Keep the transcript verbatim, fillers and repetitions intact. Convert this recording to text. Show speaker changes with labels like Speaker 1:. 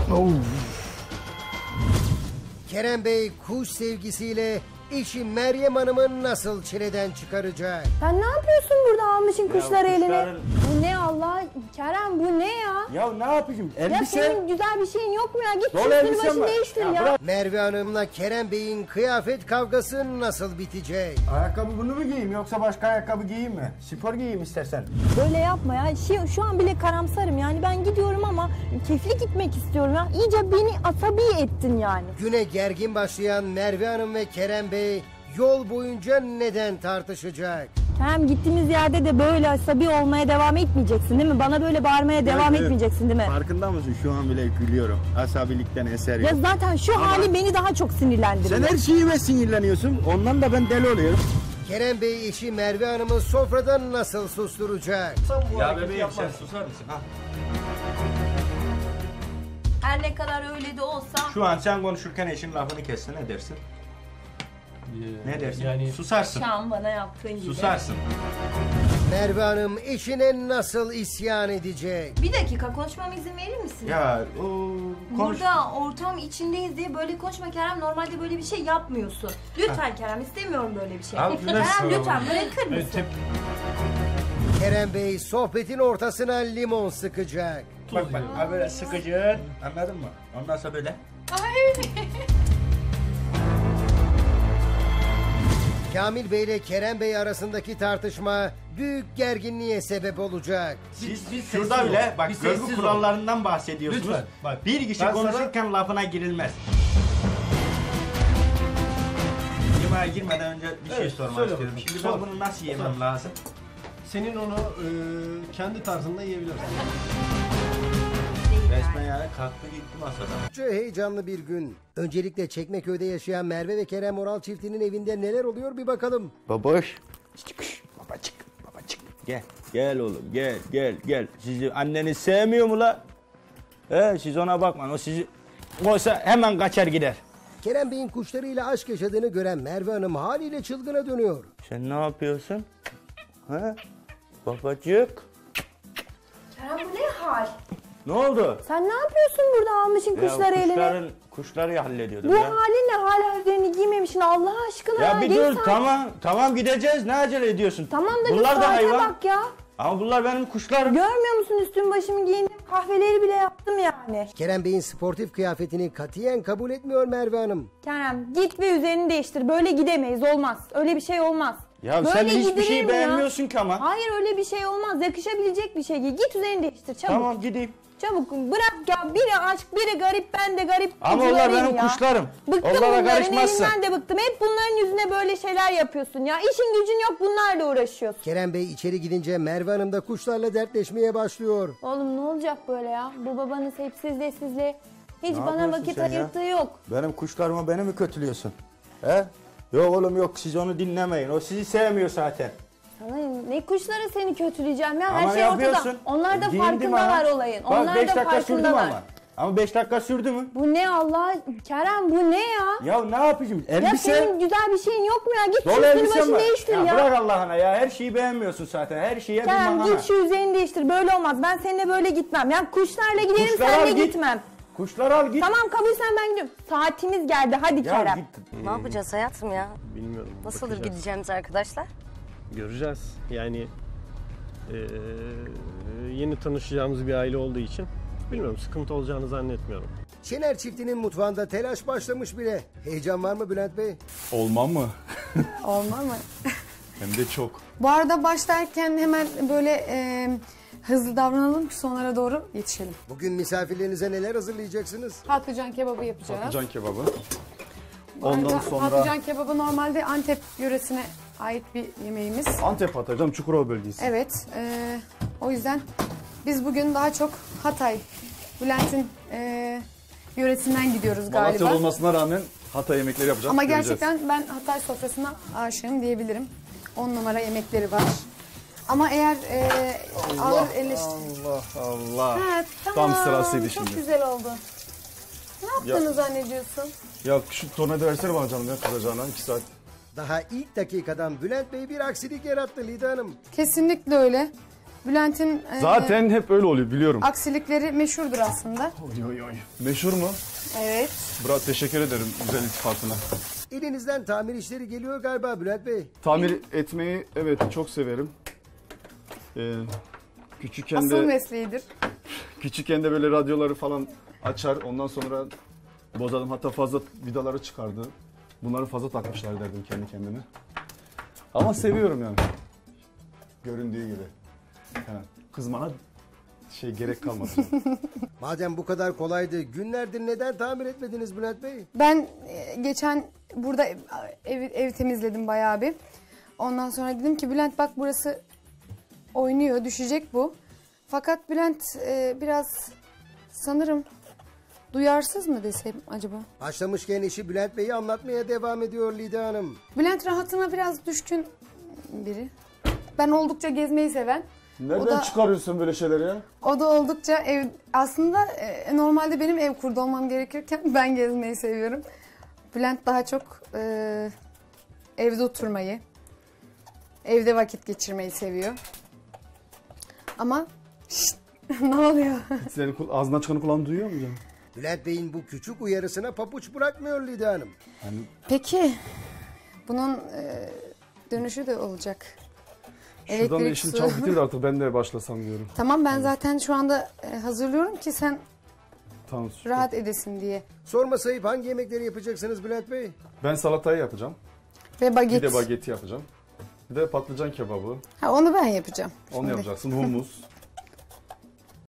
Speaker 1: Oh.
Speaker 2: Kerem Bey kuş sevgisiyle eşi Meryem Hanım'ı nasıl çileden çıkaracak?
Speaker 3: Sen ne yapıyorsun burada almışın
Speaker 4: Ya
Speaker 3: kuşları eline?
Speaker 4: kuşların-
Speaker 3: Bu ne Allah? Kerem bu ne ya?
Speaker 4: Ya ne yapayım?
Speaker 3: Ya
Speaker 4: Elbise.
Speaker 3: senin güzel bir şeyin yok mu ya? Git
Speaker 4: Dolu
Speaker 3: üstünü
Speaker 4: elbisem
Speaker 3: başını
Speaker 4: var.
Speaker 3: değiştir
Speaker 4: Ya
Speaker 3: ya.
Speaker 4: bırak.
Speaker 2: Merve Hanım'la Kerem Bey'in kıyafet kavgası nasıl bitecek?
Speaker 4: Ayakkabı bunu mu giyeyim yoksa başka ayakkabı giyeyim mi? Spor giyeyim istersen.
Speaker 3: Böyle yapma ya. Şu, şu an bile karamsarım yani ben gidiyorum ama keyifli gitmek istiyorum ya. İyice beni asabi ettin yani.
Speaker 2: Güne gergin başlayan Merve Hanım ve Kerem Bey yol boyunca neden tartışacak?
Speaker 3: Kerem gittiğimiz yerde de böyle asabi olmaya devam etmeyeceksin değil mi? Bana böyle bağırmaya devam
Speaker 4: Evet,
Speaker 3: etmeyeceksin değil mi?
Speaker 4: Farkında mısın? Şu an bile gülüyorum. Asabilikten eser yok.
Speaker 3: Ya zaten şu
Speaker 4: Ama-
Speaker 3: hali beni daha çok sinirlendiriyor.
Speaker 4: Sen her şeyime sinirleniyorsun. Ondan da ben deli oluyorum.
Speaker 2: Kerem Bey eşi Merve Hanım'ı sofradan nasıl susturacak?
Speaker 5: Ya bebeğim sen susar mısın? Ha?
Speaker 3: Her ne kadar öyle de olsa.
Speaker 5: Şu an sen konuşurken eşin lafını kesse ne dersin? Ne dersin?
Speaker 1: Yani
Speaker 5: Susarsın.
Speaker 3: Şu an bana yaptığın gibi.
Speaker 5: Susarsın.
Speaker 2: Merve Hanım eşine nasıl isyan edecek?
Speaker 3: Bir dakika konuşmama izin verir misin?
Speaker 5: Ya o konuş.
Speaker 3: Burada ortam içindeyiz diye böyle konuşma Kerem. Normalde böyle bir şey yapmıyorsun. Lütfen Kerem istemiyorum böyle bir şey.
Speaker 5: Abi,
Speaker 3: Kerem
Speaker 5: nasıl?
Speaker 3: lütfen bırakır mısın?
Speaker 1: evet,
Speaker 2: Kerem Bey sohbetin ortasına limon sıkacak.
Speaker 5: Bak bak ha böyle sıkıcı. Anladın mı? Ondan sonra böyle.
Speaker 2: Kamil Bey ile Kerem Bey arasındaki tartışma büyük gerginliğe sebep olacak.
Speaker 5: Siz
Speaker 1: biz
Speaker 5: şurada
Speaker 1: sessiz
Speaker 5: bile
Speaker 1: ol.
Speaker 5: bak
Speaker 1: Biz
Speaker 5: görgü
Speaker 1: sessiz ol.
Speaker 5: kurallarından bahsediyorsunuz.
Speaker 1: Lütfen, bak.
Speaker 5: Bir kişi
Speaker 1: Ben
Speaker 5: konuşurken lafına girilmez. Yemeğe girmeden önce bir şey
Speaker 1: Evet,
Speaker 5: sormak
Speaker 1: söyle
Speaker 5: istiyorum.
Speaker 1: bakalım.
Speaker 5: Şimdi
Speaker 1: Sor.
Speaker 5: ben bunu nasıl yemem
Speaker 1: Sor.
Speaker 5: lazım?
Speaker 1: senin onu e, kendi tarzında yiyebilirsin.
Speaker 5: Resmen yani kalktı gitti masadan.
Speaker 2: Çok heyecanlı bir gün. Öncelikle Çekmeköy'de yaşayan Merve ve Kerem Oral çiftinin evinde neler oluyor bir bakalım.
Speaker 4: Baboş. Çıkış. Babacık. Babacık. Gel. Gel oğlum. Gel. Gel. Gel. Sizi anneniz sevmiyor mu la? He, siz ona bakmayın. O sizi oysa hemen kaçar gider.
Speaker 2: Kerem Bey'in kuşlarıyla aşk yaşadığını gören Merve Hanım haliyle çılgına dönüyor.
Speaker 4: Sen ne yapıyorsun? He? Babacık.
Speaker 3: Kerem bu ne hal?
Speaker 4: Ne oldu?
Speaker 3: Sen ne yapıyorsun burada almışın
Speaker 4: Ya
Speaker 3: kuşları eline?
Speaker 4: kuşların, kuşları hallediyordum
Speaker 3: Bu
Speaker 4: ya.
Speaker 3: halinle hala üzerini giymemişsin Allah aşkına.
Speaker 4: Ya bir
Speaker 3: Gel
Speaker 4: dur
Speaker 3: sen.
Speaker 4: tamam tamam gideceğiz ne acele ediyorsun?
Speaker 3: Tamam da
Speaker 4: bunlar
Speaker 3: bir
Speaker 4: da
Speaker 3: saate
Speaker 4: hayvan.
Speaker 3: bak ya.
Speaker 4: Ama bunlar benim kuşlarım.
Speaker 3: Görmüyor musun üstüm başımı giyindim kahveleri bile yaptım yani.
Speaker 2: Kerem Bey'in sportif kıyafetini katiyen kabul etmiyor Merve Hanım.
Speaker 3: Kerem git ve üzerini değiştir böyle gidemeyiz olmaz öyle bir şey olmaz.
Speaker 4: Ya
Speaker 3: Böyle
Speaker 4: sen hiçbir
Speaker 3: gidilir
Speaker 4: şey
Speaker 3: mi ya?
Speaker 4: beğenmiyorsun ki ama.
Speaker 3: Hayır öyle bir şey olmaz yakışabilecek bir şey giy git üzerini değiştir çabuk.
Speaker 4: Tamam gideyim.
Speaker 3: Çabuk bırak ya biri aşk biri garip ben de garip.
Speaker 4: Ama onlar
Speaker 3: kuzularıyım
Speaker 4: benim
Speaker 3: ya.
Speaker 4: kuşlarım.
Speaker 3: Bıktım
Speaker 4: Onlara
Speaker 3: bunların
Speaker 4: karışmazsın.
Speaker 3: elinden de bıktım hep bunların yüzüne böyle şeyler yapıyorsun ya işin gücün yok bunlarla uğraşıyorsun.
Speaker 2: Kerem Bey içeri gidince Merve Hanım da kuşlarla dertleşmeye başlıyor.
Speaker 3: Oğlum ne olacak böyle ya bu babanız hep sizle sizle hiç
Speaker 4: Ne
Speaker 3: bana
Speaker 4: yapıyorsun
Speaker 3: vakit
Speaker 4: sen ya?
Speaker 3: ayırttığı yok.
Speaker 4: Benim kuşlarıma beni mi kötülüyorsun? He? Yok oğlum yok siz onu dinlemeyin. O sizi sevmiyor zaten.
Speaker 3: Sana ne kuşları seni kötüleyeceğim ya
Speaker 4: Ama
Speaker 3: her şey
Speaker 4: yapıyorsun.
Speaker 3: ortada. Onlar da
Speaker 4: Giyindim
Speaker 3: farkındalar
Speaker 4: ama.
Speaker 3: olayın.
Speaker 4: Bak,
Speaker 3: Onlar
Speaker 4: beş
Speaker 3: da
Speaker 4: dakika sürdü mü
Speaker 3: farkındalar.
Speaker 4: ama. Ama beş dakika sürdü mü?
Speaker 3: Bu ne Allah Kerem bu ne ya?
Speaker 4: Ya ne yapayım?
Speaker 3: Ya
Speaker 4: Elbise.
Speaker 3: senin güzel bir şeyin yok mu ya? Git şu
Speaker 4: Dolu
Speaker 3: üstünü
Speaker 4: elbisem
Speaker 3: başını
Speaker 4: var.
Speaker 3: değiştir ya.
Speaker 4: Ya bırak Allah'ına ya. Her şeyi beğenmiyorsun zaten. Her şeye bir
Speaker 3: Kerem
Speaker 4: mahana.
Speaker 3: git şu üzerini değiştir. Böyle olmaz. Ben seninle böyle gitmem. Yani kuşlarla giderim
Speaker 4: Kuşları al
Speaker 3: senle
Speaker 4: git.
Speaker 3: gitmem.
Speaker 4: Kuşları al git.
Speaker 3: Tamam kabulsen ben gidiyorum. Saatimiz geldi. Hadi
Speaker 4: Ya
Speaker 3: Kerem.
Speaker 4: git.
Speaker 6: Ne yapacağız hayatım ya?
Speaker 1: Bilmiyorum.
Speaker 6: Nasıldır
Speaker 1: bakacağız.
Speaker 6: gideceğimiz arkadaşlar?
Speaker 1: Göreceğiz. Yani eee, yeni tanışacağımız bir aile olduğu için bilmiyorum sıkıntı olacağını zannetmiyorum.
Speaker 2: Şener çiftinin mutfağında telaş başlamış bile. Heyecan var mı Bülent Bey?
Speaker 7: Olmam mı?
Speaker 8: Olmaz mı?
Speaker 7: Hem de çok.
Speaker 8: Bu arada başlarken hemen böyle e, hızlı davranalım ki sonlara doğru yetişelim.
Speaker 2: Bugün misafirlerinize neler hazırlayacaksınız?
Speaker 8: Patlıcan kebabı yapacağız.
Speaker 7: Patlıcan kebabı.
Speaker 8: Bu arada
Speaker 7: Ondan sonra
Speaker 8: Patlıcan kebabı normalde Antep yöresine ait bir yemeğimiz.
Speaker 7: Antep Hatay'dan Çukurova bölgesi.
Speaker 8: Evet. e, o yüzden biz bugün daha çok Hatay, Bülent'in e, yöresinden gidiyoruz galiba.
Speaker 7: Malatyalı olmasına rağmen Hatay yemekleri yapacağız.
Speaker 8: Ama
Speaker 7: göreceğiz.
Speaker 8: gerçekten ben Hatay sofrasına aşığım diyebilirim. On numara yemekleri var. Ama eğer e, ağır eleştiri...
Speaker 7: Allah Allah.
Speaker 8: Ha, tamam.
Speaker 7: Tam sırasıydı
Speaker 8: Çok
Speaker 7: şimdi.
Speaker 8: güzel oldu. Ne yaptığını zannediyorsun?
Speaker 7: Ya şu tornavida versene bana canım ya kızacağına iki saat.
Speaker 2: Daha ilk dakikadan Bülent Bey bir aksilik yarattı Lida Hanım.
Speaker 8: Kesinlikle öyle. Bülent'in e,
Speaker 7: Zaten hep öyle oluyor biliyorum.
Speaker 8: aksilikleri meşhurdur aslında.
Speaker 7: Oy, oy, oy. Meşhur mu?
Speaker 8: Evet.
Speaker 7: Bravo, teşekkür ederim güzel iltifatına.
Speaker 2: Elinizden tamir işleri geliyor galiba Bülent Bey.
Speaker 7: Tamir etmeyi evet çok severim. Ee, küçükken
Speaker 8: Asıl
Speaker 7: de
Speaker 8: mesleğidir.
Speaker 7: küçükken de böyle radyoları falan açar. Ondan sonra bozardım. Hatta fazla vidaları çıkardı. Bunları fazla takmışlar derdim kendi kendime. Ama seviyorum yani. Göründüğü gibi. Yani kızmana şey gerek kalmadı.
Speaker 2: Madem bu kadar kolaydı, günlerdir neden tamir etmediniz Bülent Bey?
Speaker 8: Ben e, geçen burada ev, ev, ev temizledim bayağı bir. Ondan sonra dedim ki Bülent bak burası oynuyor, düşecek bu. Fakat Bülent e, biraz sanırım duyarsız mı desem acaba?
Speaker 2: Başlamışken işi Bülent Bey'i anlatmaya devam ediyor Lida Hanım.
Speaker 8: Bülent rahatına biraz düşkün biri. Ben oldukça gezmeyi seven.
Speaker 7: Nereden
Speaker 8: O da-
Speaker 7: çıkarıyorsun böyle şeyleri ya?
Speaker 8: O da oldukça ev aslında e, normalde benim ev kurdu olmam gerekirken ben gezmeyi seviyorum. Bülent daha çok e, evde oturmayı, evde vakit geçirmeyi seviyor. Ama şşt, ne oluyor?
Speaker 7: Senin kul- ağzından çıkanı kulağın duyuyor mu canım?
Speaker 2: Bülent Bey'in bu küçük uyarısına papuç bırakmıyor Lida Hanım.
Speaker 8: Peki bunun e, dönüşü de olacak.
Speaker 7: Şuradan da
Speaker 8: Elektrik,
Speaker 7: işin
Speaker 8: su.
Speaker 7: çabuk bitir de artık ben de başlasam diyorum.
Speaker 8: Tamam ben zaten şu anda e, hazırlıyorum ki sen
Speaker 7: Tamam. süper.
Speaker 8: rahat edesin diye.
Speaker 2: Sorma sayıp hangi yemekleri yapacaksınız Bülent Bey?
Speaker 7: Ben salatayı yapacağım.
Speaker 8: Ve baget.
Speaker 7: Bir de bageti yapacağım. Bir de patlıcan kebabı.
Speaker 8: Ha, onu ben yapacağım.
Speaker 7: Onu
Speaker 8: şimdi.
Speaker 7: yapacaksın. Humus.